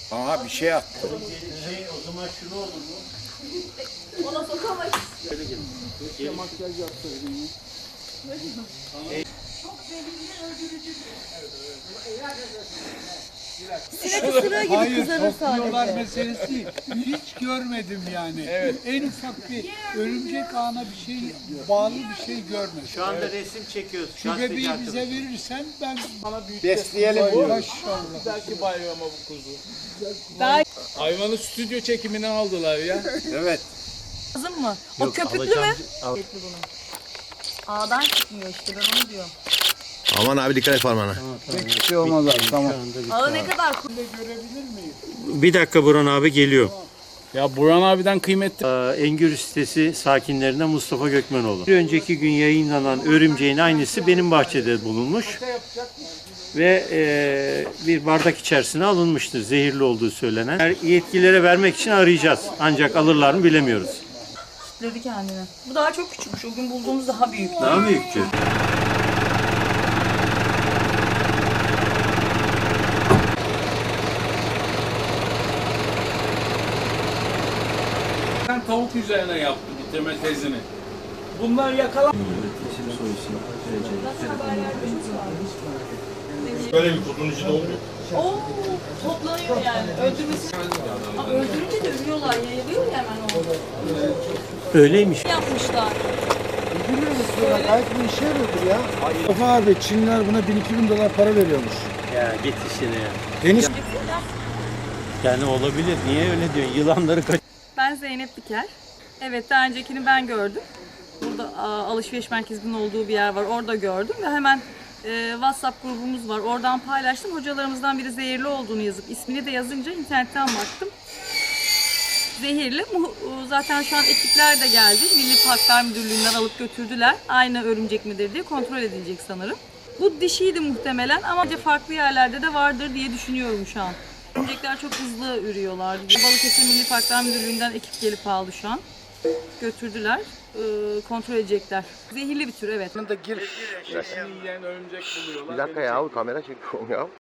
Aha bir şey attı. O zaman şunu olur mu? Ona sokamayız. Makyaj yaptırdım. Sinek ısırığı gibi kızarır Topluyorlar sadece. meselesi değil. Hiç görmedim yani. En ufak bir örümcek ağına bir şey, bağlı bir şey görmedim. Şu anda resim çekiyoruz. Şu bebeği bize verirsen ben Besleyelim diyor. maşallah. Belki bayrama bu kuzu. Daha Hayvanı stüdyo çekimine aldılar ya. Evet. lazım mı? O köpüklü mü? Köpüklü bunun. Ağdan çıkmıyor işte ben onu diyorum. Aman abi dikkat et parmağına. Bir şey olmaz abi, tamam. Ağı ne kadar Bir dakika Burhan abi geliyor. Ya Burhan abiden kıymetli. Engür sitesi sakinlerinden Mustafa Gökmenoğlu. Bir önceki gün yayınlanan örümceğin aynısı benim bahçede bulunmuş. Ve bir bardak içerisine alınmıştır. Zehirli olduğu söylenen. Yetkililere vermek için arayacağız. Ancak alırlar mı bilemiyoruz. dedi kendini. Bu daha çok küçükmüş. O gün bulduğumuz daha büyük. Daha büyüktü. Ben tavuk üzerine yaptı bitirme tezini. Bunlar yakalan. Böyle bir kutunun içinde olmuyor. Oo, toplanıyor yani. Öldürmesi. Ha, öldürünce de ölüyorlar. Yayılıyor ya hemen o. Öyleymiş. Yapmışlar. Biliyor musun? Gayet bu işe yarıyordur ya. Mustafa abi Çinliler buna 1000-2000 dolar para veriyormuş. Ya git işine ya. Deniz Yani olabilir. Niye öyle diyorsun? Yılanları kaç... Ben Zeynep Diker. Evet, daha öncekini ben gördüm. Burada alışveriş merkezinin olduğu bir yer var. Orada gördüm ve hemen WhatsApp grubumuz var. Oradan paylaştım. Hocalarımızdan biri zehirli olduğunu yazıp ismini de yazınca internetten baktım. Zehirli. Zaten şu an ekipler de geldi. Milli Parklar Müdürlüğü'nden alıp götürdüler. Aynı örümcek midir diye kontrol edilecek sanırım. Bu dişiydi muhtemelen ama farklı yerlerde de vardır diye düşünüyorum şu an. Örümcekler çok hızlı ürüyorlar. Balıkesir Milli Parklar Müdürlüğü'nden ekip gelip aldı şu an. Götürdüler. Kontrol edecekler. Zehirli bir tür evet. Da gir. Yiyen örümcek buluyorlar. Bir dakika ya kamera çekiyorum ya.